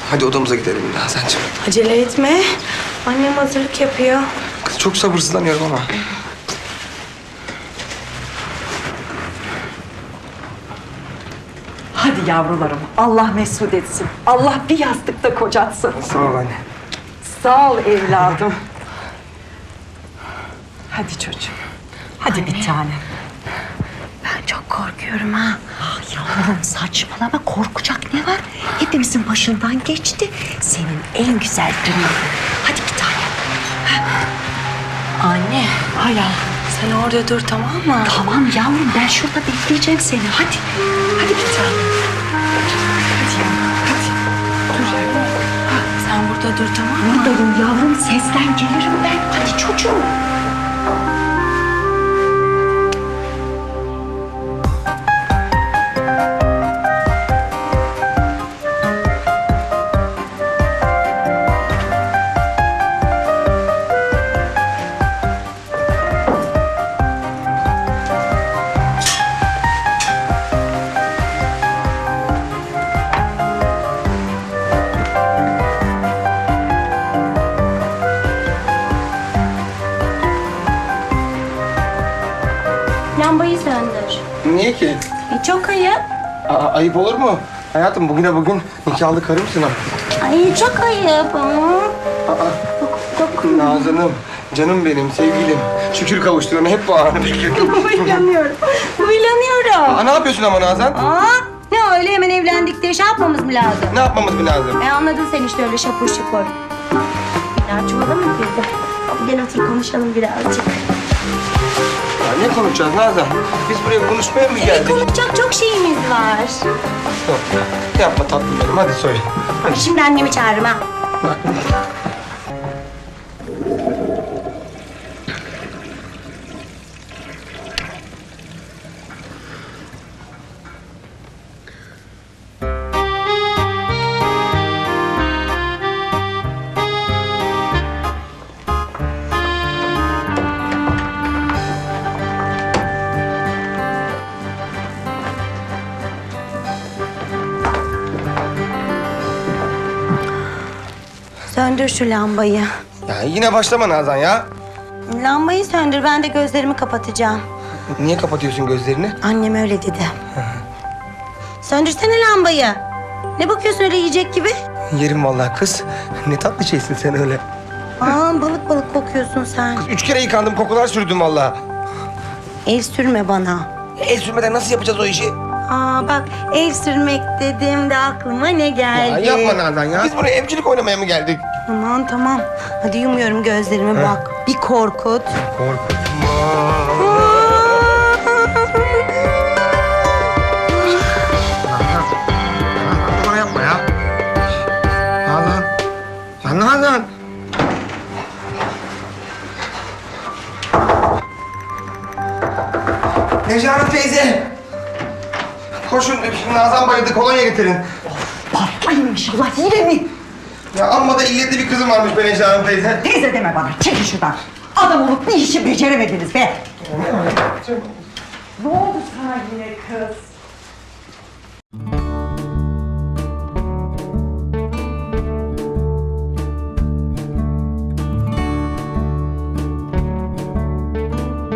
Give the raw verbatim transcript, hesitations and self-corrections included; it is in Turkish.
Hadi odamıza gidelim Nazancığım. Acele etme. Annem hazırlık yapıyor. Kız çok sabırsızlanıyorum ama. Hadi yavrularım, Allah mesut etsin. Allah bir yastıkta kocatsın. Sağ ol anne. Sağ ol evladım. Hadi çocuğum. Hadi bir tane. Ben çok korkuyorum ha. Ah yavrum saçmalama, korkacak ne var? Hepimizin başından geçti. Senin en güzel günün. Hadi bir tane. Anne. Hay Allah. Sen orada dur, tamam mı? Tamam yavrum, ben şurada bekleyeceğim seni. Hadi. Hadi bir tane. Hadi yavrum, hadi. Dur yavrum. Sen burada dur, tamam mı? Buradayım yavrum, sesten gelirim ben. Hadi çocuğum. Lambayı söndür. Niye ki? E, çok ayıp. Aa, ayıp olur mu? Hayatım bugüne bugün nikahlı karımsın ha. Ay çok ayıp. Aa, Çok Nazan'ım, canım benim, sevgilim. Şükür kavuştuğuna hep bu anı bekledim. Huylanıyorum. Huylanıyorum. Aa, ne yapıyorsun ama Nazan? Aa, ne öyle hemen evlendik diye şey yapmamız mı lazım? Ne yapmamız bir lazım? E anladın sen işte öyle şapur şupur. Biraz çuvala mı girdi? Gel otur konuşalım birazcık. Ya ne konuşacağız Nazan? Biz buraya konuşmaya mı E, geldik? konuşacak çok şeyimiz var. Yok, yapma tatlım benim, hadi söyle. Hadi. Şimdi annemi çağırırım ha. Söndür şu lambayı. Ya yine başlama Nazan ya. Lambayı söndür, ben de gözlerimi kapatacağım. Niye kapatıyorsun gözlerini? Annem öyle dedi. Söndürsene lambayı. Ne bakıyorsun öyle yiyecek gibi? Yerim vallahi kız. Ne tatlı şeysin sen öyle. Aa, balık balık kokuyorsun sen. Üç kere yıkandım, kokular sürdüm vallahi. El sürme bana. El sürmeden nasıl yapacağız o işi? Aa bak, el sürmek dediğimde aklıma ne geldi? Ya yapma Nazan ya. Biz buraya evcilik oynamaya mı geldik? Aman tamam. Hadi yumuyorum gözlerimi bak. Bir korkut. Korkutma. Bana yapma ya. Nazan. Ya Nazan. Necati teyze. Koşun, Nazan bayıldı, kolonya getirin. Patlayın inşallah, yine mi? Ya amma da illetli bir kızım varmış be Necati teyze. Teyze deme bana, çekin şuradan. Adam olup bir işi beceremediniz be. Ne oldu sana yine kız?